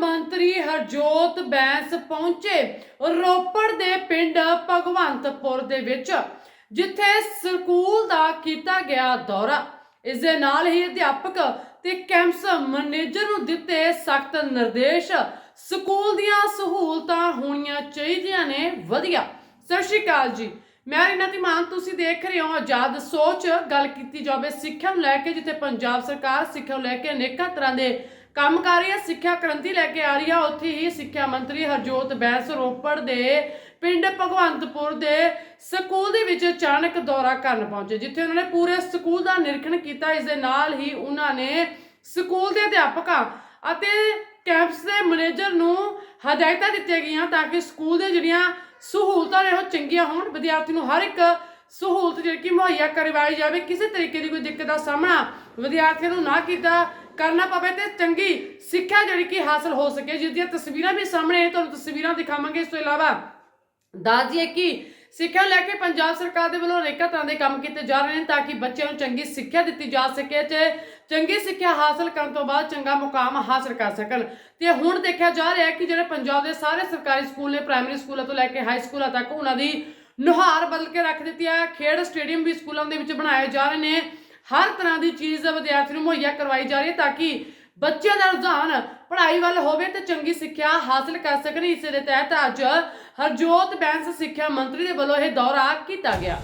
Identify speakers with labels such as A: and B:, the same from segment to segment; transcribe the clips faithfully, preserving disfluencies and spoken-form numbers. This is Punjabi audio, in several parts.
A: ਮੰਤਰੀ ਹਰਜੋਤ ਬੈਂਸ ਪਹੁੰਚੇ ਰੋਪੜ ਦੇ ਪਿੰਡ ਭਗਵੰਤਪੁਰ ਦੇ ਵਿੱਚ, ਜਿੱਥੇ ਸਕੂਲ ਦਾ ਕੀਤਾ ਗਿਆ ਦੌਰਾ। ਇਸ ਦੇ ਨਾਲ ਹੀ ਅਧਿਆਪਕ ਤੇ ਕੈਂਪਸ ਮੈਨੇਜਰ ਨੂੰ ਦਿੱਤੇ ਸਖਤ ਨਿਰਦੇਸ਼। ਸਕੂਲ ਦੀਆਂ ਸਹੂਲਤਾਂ ਹੋਣੀਆਂ ਚਾਹੀਦੀਆਂ ਨੇ ਵਧੀਆ। ਸਤਿ ਸ਼੍ਰੀ ਅਕਾਲ ਜੀ, ਮੈਂ ਰੀਨਾ ਧੀਮਾਨ, ਤੁਸੀਂ ਦੇਖ ਰਹੇ ਹੋ ਆਜ਼ਾਦ ਸੋਚ। ਗੱਲ ਕੀਤੀ ਜਾਵੇ ਸਿੱਖਿਆ ਨੂੰ ਲੈ ਕੇ, ਜਿੱਥੇ ਪੰਜਾਬ ਸਰਕਾਰ ਸਿੱਖਿਆ ਨੂੰ ਲੈ ਕੇ ਅਨੇਕਾਂ ਤਰ੍ਹਾਂ ਦੇ ਕੰਮ ਕਰ ਰਹੀ ਹੈ, ਸਿੱਖਿਆ ਕ੍ਰਾਂਤੀ ਲੈ ਕੇ ਆ ਰਹੀ ਹੈ, ਉੱਥੇ ਹੀ ਸਿੱਖਿਆ ਮੰਤਰੀ ਹਰਜੋਤ ਬੈਂਸ ਰੋਪੜ ਦੇ ਪਿੰਡ ਭਗਵੰਤਪੁਰ ਦੇ ਸਕੂਲ ਦੇ ਵਿੱਚ ਅਚਾਨਕ ਦੌਰਾ ਕਰਨ ਪਹੁੰਚੇ, ਜਿੱਥੇ ਉਹਨਾਂ ਨੇ ਪੂਰੇ ਸਕੂਲ ਦਾ ਨਿਰੀਖਣ ਕੀਤਾ। ਇਸ ਦੇ ਨਾਲ ਹੀ ਉਹਨਾਂ ਨੇ ਸਕੂਲ ਦੇ ਅਧਿਆਪਕਾਂ ਅਤੇ ਕੈਂਪਸ ਦੇ ਮੈਨੇਜਰ ਨੂੰ ਹਦਾਇਤਾਂ ਦਿੱਤੀਆਂ ਗਈਆਂ ਤਾਂ ਕਿ ਸਕੂਲ ਦੇ ਜਿਹੜੀਆਂ ਸਹੂਲਤਾਂ ਨੇ ਉਹ ਚੰਗੀਆਂ ਹੋਣ, ਵਿਦਿਆਰਥੀ ਨੂੰ ਹਰ ਇੱਕ ਸਹੂਲਤ ਜਿਹੜੀ ਕਿ ਮੁਹੱਈਆ ਕਰਵਾਈ ਜਾਵੇ, ਕਿਸੇ ਤਰੀਕੇ ਦੀ ਕੋਈ ਦਿੱਕਤ ਦਾ ਸਾਹਮਣਾ ਵਿਦਿਆਰਥੀਆਂ ਨੂੰ ਨਾ ਕੀਤਾ ਕਰਨਾ ਪਵੇ ਤੇ ਚੰਗੀ ਸਿੱਖਿਆ ਜਿਹੜੀ ਕਿ ਹਾਸਲ ਹੋ ਸਕੇ, ਜਿਸ ਦੀਆਂ ਤਸਵੀਰਾਂ ਵੀ ਸਾਹਮਣੇ ਤੁਹਾਨੂੰ ਤਸਵੀਰਾਂ ਦਿਖਾਵਾਂਗੇ। ਇਸ ਤੋਂ ਇਲਾਵਾ ਦੱਸ ਦਈਏ ਕਿ ਸਿੱਖਿਆ ਨੂੰ ਲੈ ਕੇ ਪੰਜਾਬ ਸਰਕਾਰ ਦੇ ਵੱਲੋਂ ਅਨੇਕਾਂ ਤਰ੍ਹਾਂ ਦੇ ਕੰਮ ਕੀਤੇ ਜਾ ਰਹੇ ਨੇ ਤਾਂ ਕਿ ਬੱਚਿਆਂ ਨੂੰ ਚੰਗੀ ਸਿੱਖਿਆ ਦਿੱਤੀ ਜਾ ਸਕੇ ਤੇ ਚੰਗੀ ਸਿੱਖਿਆ ਹਾਸਲ ਕਰਨ ਤੋਂ ਬਾਅਦ ਚੰਗਾ ਮੁਕਾਮ ਹਾਸਲ ਕਰ ਸਕਣ। ਤੇ ਹੁਣ ਦੇਖਿਆ ਜਾ ਰਿਹਾ ਹੈ ਕਿ ਜਿਹੜੇ ਪੰਜਾਬ ਦੇ ਸਾਰੇ ਸਰਕਾਰੀ ਸਕੂਲ ਨੇ, ਪ੍ਰਾਇਮਰੀ ਸਕੂਲਾਂ ਤੋਂ ਲੈ ਕੇ ਹਾਈ ਸਕੂਲਾਂ ਤੱਕ, ਉਹਨਾਂ ਦੀ ਨੁਹਾਰ ਬਦਲ ਕੇ ਰੱਖ ਦਿੱਤੀ ਹੈ। ਖੇਡ ਸਟੇਡੀਅਮ ਵੀ ਸਕੂਲਾਂ ਦੇ ਵਿੱਚ ਬਣਾਏ ਜਾ ਰਹੇ ਨੇ। ਹਰ ਤਰ੍ਹਾਂ ਦੀ ਚੀਜ਼ ਵਿਦਿਆਰਥੀ ਨੂੰ ਮੁਹੱਈਆ ਕਰਵਾਈ ਜਾ ਰਹੀ ਹੈ ਤਾਂ ਕਿ ਬੱਚਿਆਂ ਦਾ ਰੁਝਾਨ ਪੜ੍ਹਾਈ ਵੱਲ ਹੋਵੇ ਤੇ ਚੰਗੀ ਸਿੱਖਿਆ ਹਾਸਲ ਕਰ ਸਕਣ। ਇਸੇ ਦੇ ਤਹਿਤ ਅੱਜ ਹਰਜੋਤ ਬੈਂਸ ਸਿੱਖਿਆ ਮੰਤਰੀ ਦੇ ਵੱਲੋਂ ਇਹ ਦੌਰਾ ਕੀਤਾ ਗਿਆ।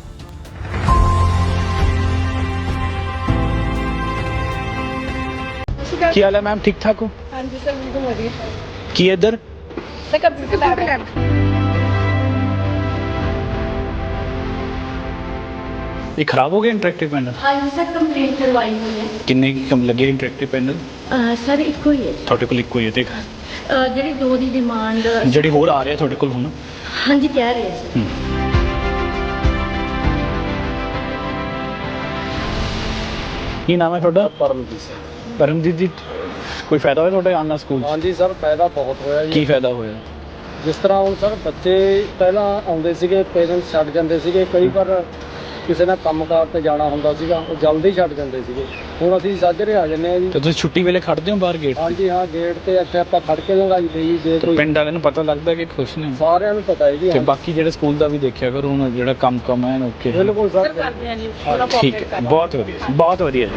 B: ਕੀ ਹਾਲ ਹੈ ਮੈਮ, ਠੀਕ ਠਾਕ ਹੋ?
C: ਹਾਂਜੀ ਸਰ, ਬਿਲਕੁਲ ਵਧੀਆ।
B: ਕੀ ਇੱਧਰ
C: ਸਰ ਕੰਪਿਊਟਰ ਲੈਬ
B: ਇਹ ਖਰਾਬ ਹੋ ਗਿਆ ਇੰਟਰੈਕਟਿਵ ਪੈਨਲ?
C: ਹਾਂਜੀ ਸਰ, ਕੰਪਲੇਂਟ ਕਰਵਾਈ ਹੋਈ ਹੈ।
B: ਕਿੰਨੇ ਕੀ ਕਮ ਲੱਗੇ ਇੰਟਰੈਕਟਿਵ ਪੈਨਲ?
C: ਸਰ ਇੱਕੋ ਹੀ ਹੈ।
B: ਤੁਹਾਡੇ ਕੋਲ ਇੱਕੋ ਹੀ ਹੈ ਤੇ
C: ਅਹ, ਜਿਹੜੀ ਦੋ ਦੀ ਡਿਮਾਂਡ
B: ਜਿਹੜੀ ਹੋਰ ਆ ਰਿਹਾ ਤੁਹਾਡੇ ਕੋਲ ਹੁਣ?
C: ਹਾਂਜੀ ਕਹਿ ਰਹੇ ਆ ਸਰ।
B: ਹੂੰ। ਕੀ ਨਾਮ ਹੈ ਤੁਹਾਡਾ?
D: ਪਰਮਜੀਤ ਸਿੰਘ।
B: ਪਰਮਜੀਤ ਜੀ, ਕੋਈ ਫਾਇਦਾ ਹੋਇਆ ਤੁਹਾਡੇ ਆਉਣ ਨਾਲ ਸਕੂਲ 'ਚ?
D: ਹਾਂਜੀ ਸਰ, ਫਾਇਦਾ ਬਹੁਤ ਹੋਇਆ ਜੀ।
B: ਕੀ ਫਾਇਦਾ ਹੋਇਆ?
D: ਜਿਸ ਤਰ੍ਹਾਂ ਹੁਣ ਸਰ ਬੱਚੇ ਪਹਿਲਾਂ ਆਉਂਦੇ ਸੀਗੇ, ਪੇਰੈਂਟਸ ਛੱਡ ਜਾਂਦੇ ਸੀਗੇ, ਕਈ ਵਾਰ ਕਿਸੇ ਨੇ ਕੰਮਕਾਰ ਤੇ ਜਾਣਾ ਹੁੰਦਾ ਸੀਗਾ, ਉਹ ਜਲਦੀ ਛੱਡ ਜਾਂਦੇ ਸੀਗੇ। ਹੁਣ ਅਸੀਂ ਸਾਜਰੇ ਆ ਜੰਨੇ ਆ ਜੀ।
B: ਤੇ ਤੁਸੀਂ ਛੁੱਟੀ ਵੇਲੇ ਖੜਦੇ ਹੋ ਬਾਹਰ ਗੇਟ?
D: ਹਾਂਜੀ ਹਾਂ, ਗੇਟ ਤੇ ਇੱਥੇ ਆਪਾਂ ਖੜ ਕੇ ਲੰਘਾਈ ਦੇ ਜੀ। ਜੇ
B: ਤੇ
D: ਕੋਈ
B: ਪਿੰਡ ਵਾਲਿਆਂ ਨੂੰ ਪਤਾ ਲੱਗਦਾ ਕਿ ਖੁਸ਼ ਨੇ?
D: ਸਾਰਿਆਂ ਨੂੰ ਪਤਾ ਹੈ ਜੀ।
B: ਤੇ ਬਾਕੀ ਜਿਹੜੇ ਸਕੂਲ ਦਾ ਵੀ ਦੇਖਿਆ ਕਰੋ, ਹੁਣ ਜਿਹੜਾ ਕੰਮ ਕੰਮ ਹੈ ਓਕੇ।
D: ਬਿਲਕੁਲ ਸਰ।
C: ਕਰਦੇ ਆ ਜੀ, ਪੂਰਾ
B: ਠੀਕ ਹੈ, ਬਹੁਤ ਵਧੀਆ ਬਹੁਤ ਵਧੀਆ।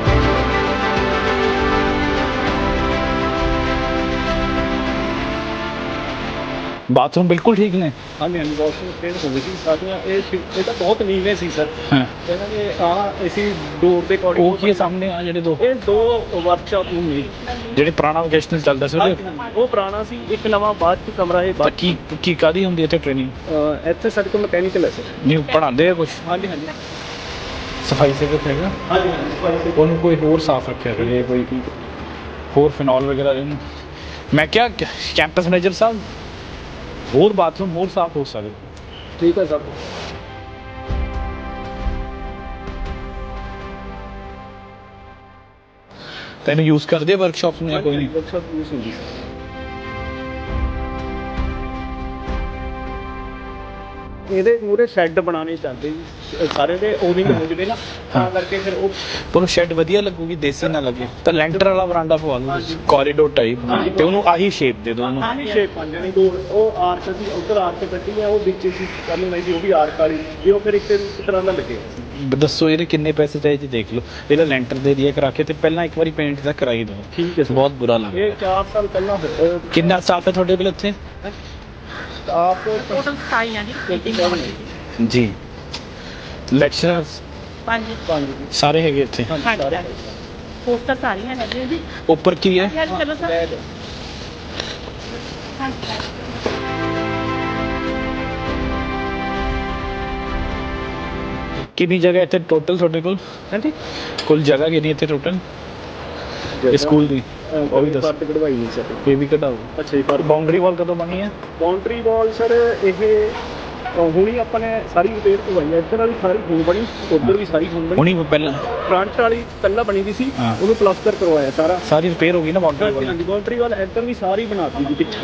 B: ਬਾਥਰੂਮ ਬਿਲਕੁਲ ਠੀਕ ਨੇ?
D: ਹਾਂਜੀ ਹਾਂਜੀ, ਵਾਸ਼ਿੰਗ ਮਸ਼ੀਨ ਹੋ ਗਈ ਸੀ ਸਾਡੀਆਂ। ਇਹ ਇਹ ਤਾਂ ਬਹੁਤ ਨੀਵੇਂ ਸੀ ਸਰ।
B: ਹਾਂ।
D: ਇਹਨਾਂ ਨੇ ਆਹ ਅਸੀਂ ਡੋਰ ਦੇ ਅਕੋਰਡਿੰਗ
B: ਉਹ ਕੀ ਸਾਹਮਣੇ ਆ ਜਿਹੜੇ ਦੋ?
D: ਇਹ ਦੋ ਵਰਕਸ਼ਾਪ ਨੂੰ ਨੇ
B: ਜਿਹੜੇ ਪੁਰਾਣਾ ਵੋਕੇਸ਼ਨਲ ਚੱਲਦਾ ਸੀ ਉਹਦੇ?
D: ਉਹ ਪੁਰਾਣਾ ਸੀ, ਇੱਕ ਨਵਾਂ ਬਾਅਦ ਚ ਕਮਰਾ ਇਹ
B: ਤਾਂ ਕੀ ਕੀ ਕਾਦੀ ਹੁੰਦੀ ਇੱਥੇ ਟ੍ਰੇਨਿੰਗ?
D: ਅਹ ਇੱਥੇ ਸਾਡੇ ਕੋਲ ਮਕੈਨੀਕਲ ਹੈ ਸਰ।
B: ਨਹੀਂ ਪੜ੍ਹਾਉਂਦੇ ਆ ਕੁਛ?
D: ਹਾਂਜੀ ਹਾਂਜੀ
B: ਸਫਾਈ ਸੇਵਕ ਹੈਗਾ?
D: ਹਾਂਜੀ ਹਾਂਜੀ।
B: ਉਹਨੂੰ ਕੋਈ ਹੋਰ ਸਾਫ਼ ਰੱਖਿਆ ਕਰੇ, ਕੋਈ ਕੀ ਹੋਰ ਫਿਨੋਲ ਵਗੈਰਾ ਇਹਨੂੰ। ਮੈਂ ਕਿਹਾ ਕੈਂਪਸ ਮੈਨੇਜਰ ਸਾਹਿਬ, ਹੋਰ ਬਾਥਰੂਮ ਹੋਰ ਸਾਫ਼ ਹੋ ਸਕਦੇ।
D: ਠੀਕ ਹੈ ਸਰ।
B: ਤੈਨੂੰ ਯੂਜ਼ ਕਰਦੇ ਆ ਵਰਕਸ਼ਾਪ ਨੂੰ ਜਾਂ ਕੋਈ ਨਹੀਂ?
D: ਵਰਕਸ਼ਾਪ ਯੂਜ਼ ਹੁੰਦੀ ਸਰ। ਇਹਦੇ ਮੂਰੇ ਸ਼ੈੱਡ ਬਣਾਉਣੇ ਚਾਹੁੰਦੇ ਜੀ, ਸਾਰੇ ਦੇ ਓਨਿੰਗ ਹੋ ਜਵੇ ਨਾ, ਤਾਂ ਕਰਕੇ ਫਿਰ ਉਹ
B: ਪਰ ਸ਼ੈਡ ਵਧੀਆ ਲੱਗੂਗੀ, ਦੇਸੀ ਨਾ ਲੱਗੇ ਤਾਂ ਲੈਂਟਰ ਵਾਲਾ ਬਰਾਂਡਾ ਪਵਾ ਲਓ, ਕੋਰੀਡੋਰ ਟਾਈਪ, ਤੇ ਉਹਨੂੰ ਆਹੀ ਸ਼ੇਪ ਦੇ ਦਿਓ ਉਹਨੂੰ।
D: ਆਹੀ ਸ਼ੇਪ ਬਣ ਜਾਣੀ। ਦੋ ਉਹ ਆਰਕ ਸੀ, ਉੱਧਰ ਆਰਕ ਕੱਢੀ ਆ, ਉਹ ਵਿੱਚ ਸੀ ਕਰਨ ਲਈ ਸੀ, ਉਹ ਵੀ ਆਰਕ ਵਾਲੀ ਵੀ, ਉਹ ਫਿਰ ਇੱਕ ਇੱਕ ਤਰ੍ਹਾਂ ਦਾ ਲੱਗੇਗਾ।
B: ਦੱਸੋ ਇਹਦੇ ਕਿੰਨੇ ਪੈਸੇ ਚਾਹੀਦੇ ਦੇਖ ਲਓ। ਇਹਦਾ ਲੈਂਟਰ ਦੇ ਦਿਆ ਕਰਾ ਕੇ ਤੇ ਪਹਿਲਾਂ ਇੱਕ ਵਾਰੀ ਪੇਂਟ ਦਾ ਕਰਾਈ ਦਿਓ।
D: ਠੀਕ ਹੈ ਸਰ।
B: ਬਹੁਤ ਬੁਰਾ ਲੱਗਦਾ।
D: ਇਹ ਚਾਰ ਸਾਲ ਪਹਿਲਾਂ ਹੋਇਆ।
B: ਕਿੰਨਾ ਸਟਾਫ ਹੈ ਤੁਹਾਡੇ ਕੋਲ ਇੱਥੇ?
D: ਆਪ
C: ਟੋਟਲ ਸਤਾਈ ਆ ਜੀ। ਮੀਟਿੰਗ
B: ਜੀ ਲੈਕਚਰਰਸ
C: ਪੰਜ
D: ਪੰਜ
B: ਸਾਰੇ ਹੈਗੇ ਇੱਥੇ?
C: ਹਾਂਜੀ। ਪੋਸਟਰ ਸਾਰੀਆਂ ਨੇ ਜੀ।
B: ਉੱਪਰ ਕੀ ਹੈ?
C: ਯਾਰ ਚਲੋ ਸਰ।
B: ਕਿੰਨੀ ਜਗ੍ਹਾ ਇੱਥੇ ਟੋਟਲ ਤੁਹਾਡੇ ਕੋਲ?
D: ਹਾਂਜੀ।
B: ਕੁੱਲ ਜਗ੍ਹਾ ਕਿੰਨੀ ਇੱਥੇ ਟੋਟਲ ਇਸ ਸਕੂਲ ਦੀ? ਉਹ ਵੀ ਦੱਸ।
D: ਪਰਤ ਕਢਵਾਈ ਨਹੀਂ ਸਰ।
B: ਇਹ ਵੀ ਕਢਾਓ।
D: ਅੱਛਾ ਜੀ। ਪਰ
B: ਬਾਉਂਡਰੀ ਵਾਲ ਕਦੋਂ ਬਣੀ ਹੈ?
D: ਬਾਉਂਡਰੀ ਵਾਲ ਸਰ ਇਹ ਹੁਣੀ ਆਪਾਂ ਨੇ ਸਾਰੀ ਰਿਪੇਅਰ ਕਰਵਾਈ ਹੈ। ਇੱਧਰ ਵਾਲੀ ਸਾਰੀ ਹੁਣ ਬਣੀ, ਉੱਧਰ ਵੀ ਸਾਰੀ ਹੁਣ ਬਣੀ।
B: ਹੁਣੀ ਪਹਿਲਾਂ
D: ਫਰੰਟ ਵਾਲੀ ਪਹਿਲਾਂ ਬਣੀ ਦੀ ਸੀ,
B: ਹਾਂ।
D: ਉਹਨੂੰ ਪਲਾਸਟਰ ਕਰਵਾਇਆ ਸਾਰਾ।
B: ਸਾਰੀ ਰਿਪੇਅਰ ਹੋ ਗਈ ਨਾ ਬਾਉਂਡਰੀ ਵਾਲ?
D: ਹਾਂਜੀ, ਬਾਉਂਡਰੀ ਵਾਲ ਇੱਧਰ ਵੀ ਸਾਰੀ ਬਣਾਤੀ ਜੀ ਪਿੱਛੇ।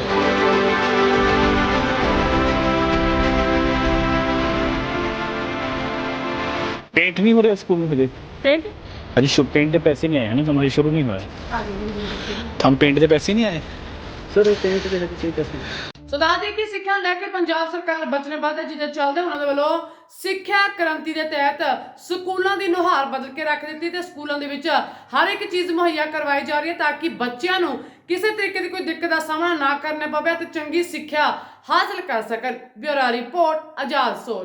B: पेंट नहीं हो रहा स्कूल में? मुझे
C: पेंट
B: अजी पेंट के पैसे नहीं आए हैं ना, हमारे शुरू नहीं हुआ है। हम पेंट के पैसे नहीं आए?
D: ਸਰ ਇਹ ਪੇਂਟ ਦੇ ਵਿੱਚ ਕੀ ਦੱਸਣਾ?
A: ਸੋ ਦੱਸ ਦਈਏ ਕਿ ਸਿੱਖਿਆ ਨੂੰ ਲੈ ਕੇ ਪੰਜਾਬ ਸਰਕਾਰ ਵਚਨਬੱਧ ਹੈ, ਜਿਹਦੇ ਚੱਲਦੇ ਉਹਨਾਂ ਦੇ ਵੱਲੋਂ ਸਿੱਖਿਆ ਕ੍ਰਾਂਤੀ ਦੇ ਤਹਿਤ ਸਕੂਲਾਂ ਦੀ ਨੁਹਾਰ ਬਦਲ ਕੇ ਰੱਖ ਦਿੱਤੀ ਤੇ ਸਕੂਲਾਂ ਦੇ ਵਿੱਚ ਹਰ ਇੱਕ ਚੀਜ਼ ਮੁਹੱਈਆ ਕਰਵਾਈ ਜਾ ਰਹੀ ਹੈ ਤਾਂ ਕਿ ਬੱਚਿਆਂ ਨੂੰ ਕਿਸੇ ਤਰੀਕੇ ਦੀ ਕੋਈ ਦਿੱਕਤ ਦਾ ਸਾਹਮਣਾ ਨਾ ਕਰਨਾ ਪਵੇ ਤੇ ਚੰਗੀ ਸਿੱਖਿਆ ਹਾਸਲ ਕਰ ਸਕਣ। ਬਿਊਰੋ ਰਿਪੋਰਟ, ਆਜ਼ਾਦ ਸੋਚ।